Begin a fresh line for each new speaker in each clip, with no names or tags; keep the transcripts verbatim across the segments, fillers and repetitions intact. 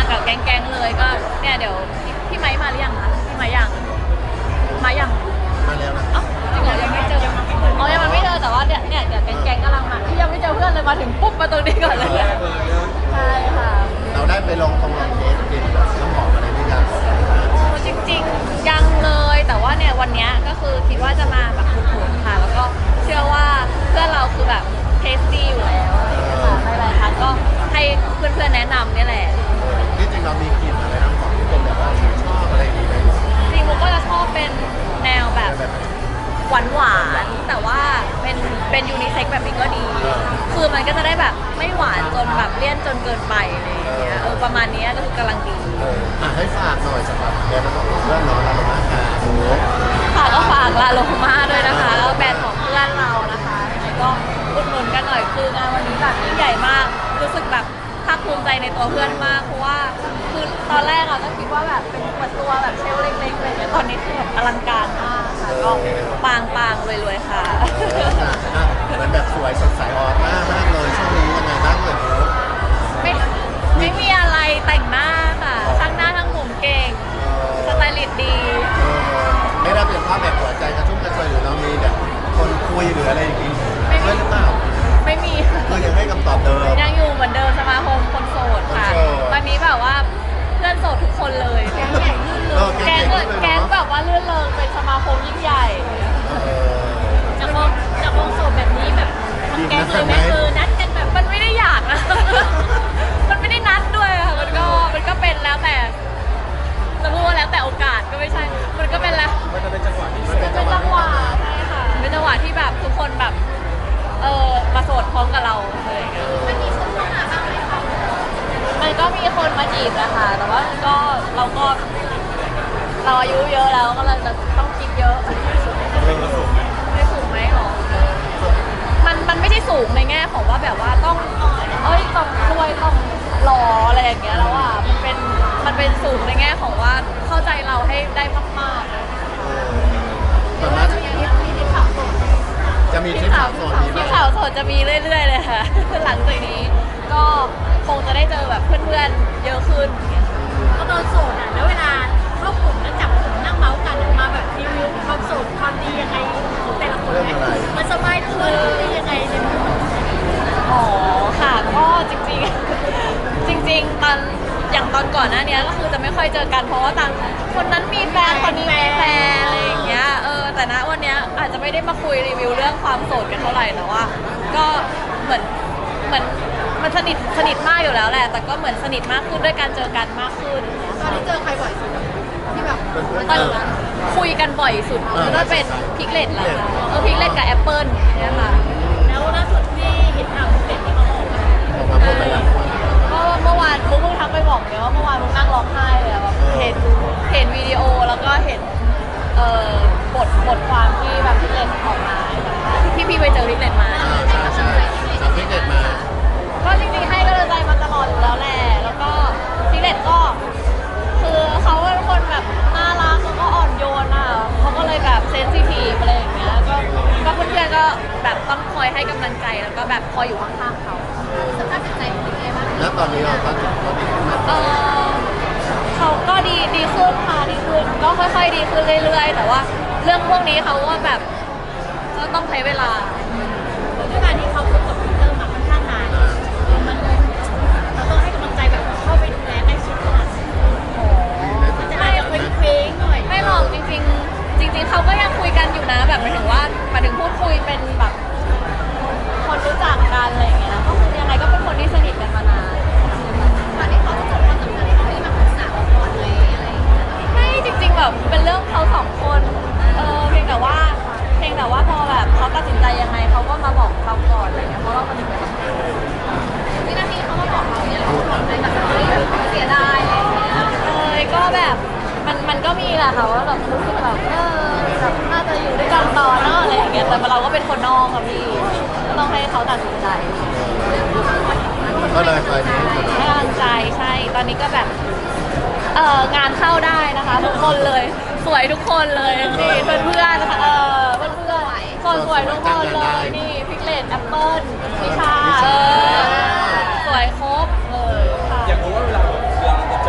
กับแก๊งๆเลยก็เนี่ยเดี๋ยวพี่ไม้มาหรือยังคะพี่ไม้ยังมายัง
มาแล้วนะ
อ๋อจริงเหรอยังไม่เจออ๋อยังไม่เจอแต่ว่าเนี่ยเนี่ยเดี๋ยวแก๊งๆกำลังมาที่ยังไม่เจอเพื่อนเลยมาถึงปุ๊บมาตรงนี้ก่อนเลยใช่ค่ะ
เราได้ไปลองทองลองเทสกินแบบน้ำหอมอะไรนี่ยัง
โอ้จริงๆยังเลยแต่ว่าเนี่ยวันนี้ก็คือคิดว่าจะมาแบบถูกๆค่ะแล้วก็เชื่อว่าเพื่อนเราคือแบบเทสตี้อยู่แล้วค่ะหลายๆครั้งก็ให้เพื่อนๆแนะนำเนี่ยแหละ
ที่จริงเรามีกลิ่นอะไรน้ำหอมที่เป็นแบบว่าชอบอะไรดีไหม
จริงมุกก็จะชอบเป็นแนวแบบหวานหวานแต่ว่าเป็นเป็นยูนิเซ็กแบบนี้ก็ดีคือมันก็จะได้แบบไม่หวานจนแบบเลี่ยนจนเกินไปอะไรอย่างเงี้ยเออประมาณนี้ก็คือกำลังดี
อ่ะให้ฝากหน่อยสำหรับแบรนด์ของเพื่อนเราลาโลมาค่ะ
ค่ะก็ฝากลาโลมาด้วยนะคะแล้วแบรนด์ของเพื่อนเรานะคะก็อุดหนุนกันหน่อยคืองานวันนี้แบบยิ่งใหญ่มากรู้สึกแบบภาคภูมิใจในตัวเพื่อนมากเพราะว่าคือตอนแรกอะก็คิดว่าแบบเป็นเปิดตัวแบบเชลเล็กๆอะไรเงี้ยตอนนี้คือแบบอลังการมากค่ะก็ปังปังรวยๆค่ะ
เหมือนแบบสวยสดใสออร่ามากเลยช่วงนี้ยังไงบ้างเลย
ไม่ไม่มีอะไรแต่งหน้าค่ะช่างหน้าทั้งผมเก่งสไตลิสต์ดี
ไม่ได้เป็นภาพแบบหัวใจกระชุ่มกระชวยหรือเรามีแบบคนคุยหรืออะไรอย่างนี้ไม่หรือเปล่า
ไม่มี
คือยังให้คำตอบเดิม
ยังอยู่เหมือนเดิมสมาคมคนโสดค่ะตอนนี้แบบว่าเพื่อนโสดทุกคนเลยแก๊งใหญ่ลื่นเริงแก๊งแก๊งแบบว่าลื่นเริงเป็นสมาคมยิ่งใหญ่จากวงจากวงโสดแบบนี้แบบแก๊งเลยไหมคือนัดกันแบบมันไม่ได้อยากนะมันไม่ได้นัดด้วยค่ะมันก็มันก็เป็นแล้วแต่จะพูดว่าแล้วแต่โอกาสก็ไม่ใช่มันก็เป็นแล้ว
มันจะเป็นจังหวะที่
เป็นจังหวะใช่ค่ะเป็นจังหวะที่แบบทุกคนแบบเออมาโสดพร้อมกับเราเลยมันมีคนเข้ามาบ้างไหมคะมันก็มีคนมาจีบนะคะแต่ว่าก็เราก็เราอายุเยอะแล้วก็เราจะต้องคิดเยอะไม่สูงไหมหรอมันมันไม่ใช่สูงในแง่ของว่าแบบว่าต้องเอ้ยต้องรวยต้องหล่ออะไรอย่างเงี้ยแล้วอ่ะมันเป็นมันเป็นสูงในแง่ของว่าเข้าใจเราให้ได้มากๆ
แต่ว่าจะมีที่ข่าวสดจะมีที่ข่าวสด
ที่ข่าวสดจะมีเรื่อยๆเลยค่ะหลังจากนี้ก็คงจะได้เจอแบบเพื่อนๆเยอะขึ้น
ก็ตอนโสดอ่ะแล้วเวลาเข้ากลุ่มแล้วจับกลุ่มนั่งเมาส์กันมาแบบรีวิวความโสดความดียังไงของแต่ละคนไหมมันสบายตัวหรือเป็นยังไงเนี่ย
อ๋อค่ะก็จริงๆจริงๆตอนอย่างตอนก่อนหน้านี้ก็คือจะไม่ค่อยเจอกันเพราะว่าต่างคนนั้นมีแฟนคนนี้มีแฟนอะไรอย่างเงี้ยเออแต่ณวันนี้อาจจะไม่ได้มาคุยรีวิวเรื่องความโสดกันเท่าไหร่แต่ว่าก็เหมือนเหมือนมันสนิทสนิทมากอยู่แล้วแหละแต่ก็เหมือนสนิทมากขึ้นด้วยการเจอกันมากขึ้น
ตอนนี้เจอใครบ่อยสุดที่แบบ
ตอนคุยกันบ่อยสุดก็เป็นพิกเลตแหละเออพิกเลตกับแอปเปิลเนี่ยค่ะ
แล้วล่าสุดที่เห็นข่าวพิกเลตที่เขาออกมา
ออกมาพูดไปแล้ว
ก็เมื่อวานมุกเพิ่งทักไปบอกเลยว่าเมื่อวานมุกนั่งร้องไห้เลยแบบเห็นเห็นวิดีโอแล้วก็เห็นเอ่อบทบทความที่แบบพิกเลตออกมาที่พี่ไปเจอพิกเลตมา
ใช่ใช่จากพิกเลตมา
ก็จริงๆให้กำลังใจมาตลอดอยู่แล้วแหละแล้วก็พิกเลตก็คือเขาเป็นคนแบบน่ารักแล้วก็อ่อนโยนอ่ะเขาก็เลยแบบเซนซิทีฟอะไรอย่างเงี้ยก็ก็เพื่อนๆก็แบบต้องคอยให้กำลังใจแล้วก็แบบคอยอยู่ข้างๆเขา
สภาพจิตใจเป็นยังไงบ้าง
แล้วตอนนี้เราก็ดีขึ้นไหม
เออเขาก็ดีดีขึ้นค่ะดีขึ้นก็ค่อยๆดีขึ้นเรื่อยๆแต่ว่าเรื่องพวกนี้เขาว่าแบบก็ต้องใช้เวลา
ด้วยการที่เขาคบกับพีเตอร์มาค่อนข้างนานมันเราต้องให้กำลังใจแบบเข้าไปดูแลใกล้ชิดขนาดมันจะอาจจะเคว้งหน่อย
ไม่หรอกจริงๆจริงๆเขาก็ยังคุยกันอยู่นะแบบหมายถึงว่าหมายถึงพูดคุยเป็นแบบคนรู้จักกันอะไรอย่างเงี้ยก็คือยังไงก็เป็นคนที่สนิทกันมานาน
ตอนนี้เขาจะจบความสัมพันธ์เขาที่มาปรึกษาเราก่อนเลยอะไรอย่างเงี้ย
ไม่จริงๆแบบเป็นเรื่องเขาสองคนเออเพียงแต่ว่าเพียงแต่ว่าพอแบบเขาตัดสินใจยังไงเขาก็มาบอกเราก่อนอะไรเงี้ยเพราะเราสนิทกัน
วินาทีเขามาบอกเราเนี่ยเราบอกเลยแบบเฮ้ยเสียดายอะไรอย่างเงี้ย
เออก็แบบมันมันก็มีแหละค่ะว่าแบบรู้สึกแบบเออแบบน่าจะอยู่ด้วยกันต่อเนาะอะไรอย่างเงี้ยแต่เราก็เป็นคนนอกอะพี่ก็ต้องให้เขาตัดสินใจ
ก็เลยไปนี้
ให้กำลังใจใช่ตอนนี้ก็แบบเอองานเข้าได้นะคะทุกคนเลยสวยทุกคนเลยนี่เพื่อนเพื่อนนะคะเออเพื่อนเพื่อนคนสวยทุกคนเลยนี่พิกเลตแอปเปิ้ลพิชาเออสวยครบเลยค่ะ
อยากรู้ว่าเวลาเวลาเราจะเจ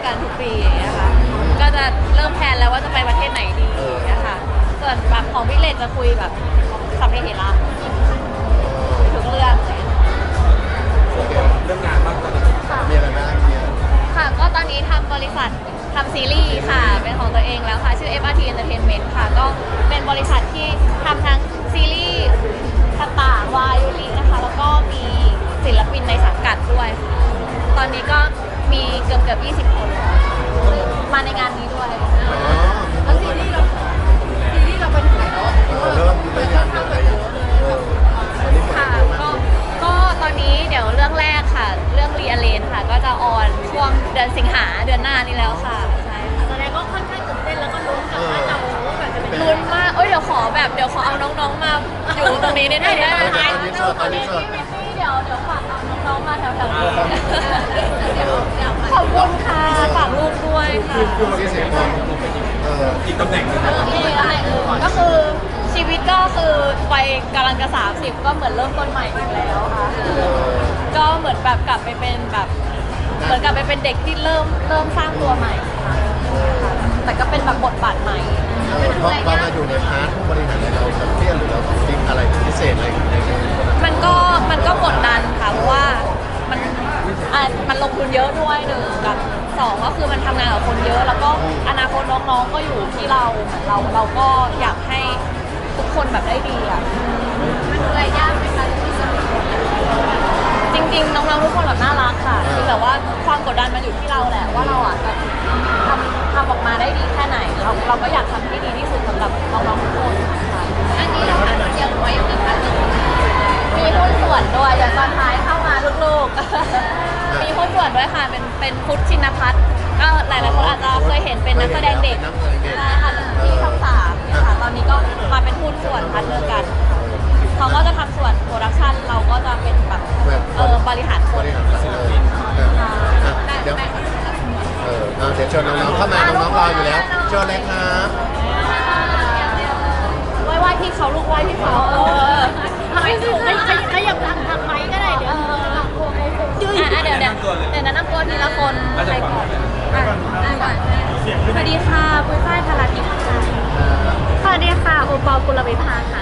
กันทุกปีอย่างเงี้ยค่ะก็จะเริ่มแพลนแล้วว่าจะไปประเทศไหนดีอย่างเงี้ยค่ะส่วนแบบของพี่เลนจะคุยแบบสัพเพเหระทุกเรื่องเลย
เรื่องงานบ้างตอนนี้
ค่ะ
มีอะไรบ้างเนี่ย
ค่ะก็ตอนนี้ทำบริษัททำซีรีส์ค่ะเป็นของตัวเองแล้วค่ะชื่อ เอฟ อาร์ ที Entertainment ค่ะก็เป็นบริษัทที่ทำทั้งซีรีส์ต่างๆวายยูรินะคะแล้วก็มีศิลปินในสังกัดด้วยค่ะตอนนี้ก็มีเกือบเกือบยี่สิบคนค่ะมาในงานนี้ด้วย
อ๋อ
แล้วซีรีส์เราซีรีส์เราไปถึงไหนแล้ว
เราเริ่มได้ยังเริ่มได้ยังเออตอนนี้เปิด
ค่ะ
เยอะมาก
ก็ก็ตอนนี้เดี๋ยวเรื่องแรกค่ะ เรื่องรีอเลนค่ะ ก็จะออนช่วงเดือนสิงหาเดือนหน้านี้แล้วค่ะใช่ค่ะ
แสดงก็ค่อนข้างตื่นเต้นแล้วก็ลุ้นกับว่าเราแบบจะเป็น
ลุ้นมากเอ้ยเดี๋ยวขอแบบเดี๋ยวขอเอาน้องๆมาอยู่ตรงนี้นิดนึงได้ไหมคะ
ตอนนี้สดตอนนี้สด
พี่เดี๋ยวเดี๋ยวฝากเอาน้องๆมาแถวๆนี้เดี๋ยวเดี๋ยวขอบคุณค่ะฝากลูกด้วยค่ะ
ที่เสียงมองเออ
อีกตำแหน่งหนึง
ก็คือชีวิตก็คือวัยกำลังจะสามสิบก็เหมือนเริ่มต้นใหม่อีกแล้วค่ะ ก็เหมือนแบบกลับไปเป็นแบบเหมือนกลับไปเป็นเด็กที่เริ่มเริ่มสร้างตัวใหม่ค่ะแต่ก็เป็นแบบบทบาทใหม่
เออเพราะพอมาอยู่ในพาร์ทผู้บริหารเนี่ยเราแบบเครียดหรือเราคิดอะไรพิเศษอะไรอย่างเงี้ย
มันก็มันก็กดดันค่ะเพราะว่ามันอ่ะมันลงทุนเยอะด้วยหนึ่งกับสองก็คือมันทำงานกับคนเยอะ แล้วก็อนาคตน้องๆก็อยู่ที่เราเหมือนเราเราก็อยากให้ทุกคนแบบได้ดีอ่ะมันดูแลยากไหมคะที่สนิทจริงๆน้องๆทุกคนแบบน่ารักค่ะคือแบบว่าความกดดันมันอยู่ที่เราแหละว่าเราอ่ะจะทำทำออกมาได้ดีแค่ไหนเราเราก็อยากทำให้ดีที่สุดสำหรับน้องๆทุกคนค่ะอันนี้เราหาเสียงไว้ยังมีการมีหุ้นส่วนด้วยอย่างตอนท้ายเข้ามาลูกๆ มีหุ้นส่วนด้วยค่ะ เป็นเป็นพุทธชินพัฒน์ก็หลายๆคนอาจจะเคยเห็นเป็นนักแสดงเด็กใช่ค่ะที่ช่องสามค่ะ ตอนนี้ก็มาเป็นหุ้นส่วนพัฒน์เลิกกัน เขาก็จะทำส่วนโปรดักชันเราก็จะเป็นแบบเออบริหารค
บ
น
ริหารจัดเลยอ่ะเดี๋ยวเอออ่ะเดี๋ยวเชิญน้องๆเข้ามาน้องๆรออยู่แล้วเชิญเลยครับ
ไหว้ไหว้พี่เขาลูกไหว้พี่เขาเออ
ทำให้สูงขยับทางทางไม้ก็ได้เดี๋ยว
อ่ะเดี๋ยวเดี๋ยวเดี๋ยวแนะนำตัวทีละคนใครก่อนอ่ะอ่ะก่อนสวัสดีค่ะปุ้ยฝ้ายพาราทิพย์ค่ะสวัสดีค่ะโอปอลกุลวิภาค่ะ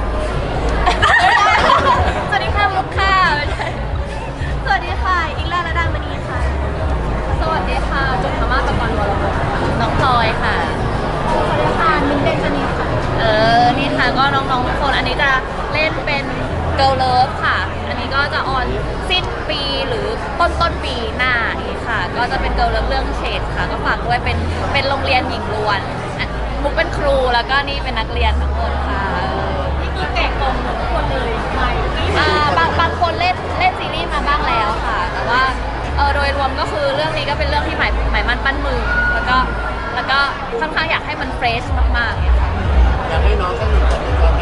สวัสดีค่ะมุกค่ะไม่ใช่สวัสดีค่ะอิงลาระดามณีค่ะ สวัสดีค่ะจุฑามาศตะกอนวรวงศ์น้องพลอยค่ะ
สวัสดีค่ะมิ้นเดนชนีค่ะ
เออ นี่ค่ะก็น้องๆทุกคน อันนี้จะเล่นเป็น Girl Love ค่ะ อันนี้ก็จะออนสิ้นปีหรือต้นต้นปีหน้าอีกค่ะ ก็จะเป็น Girl Love เรื่องเฉดค่ะ ก็ฝากด้วยเป็นเป็นโรงเรียนหญิงล้วนอ่ะมุกเป็นครูแล้วก็นี่เป็นนักเรียนทั้งหมดค่ะ
นี่คือแกะกล่องหมดทุกคนเลยไม่นี่
อ่าบางบางคนเล่นเล่นซีรีส์มาบ้างแล้วค่ะ แต่ว่าเออโดยรวมก็คือเรื่องนี้ก็เป็นเรื่องที่หมายหมายมั่นปั้นมือ แล้วก็แล้วก็ค่อนข้างอยากให้มันเฟรชมากๆเนี่ยค่ะ
อยากให้น้องสักหนึ่งบทในตอนไหน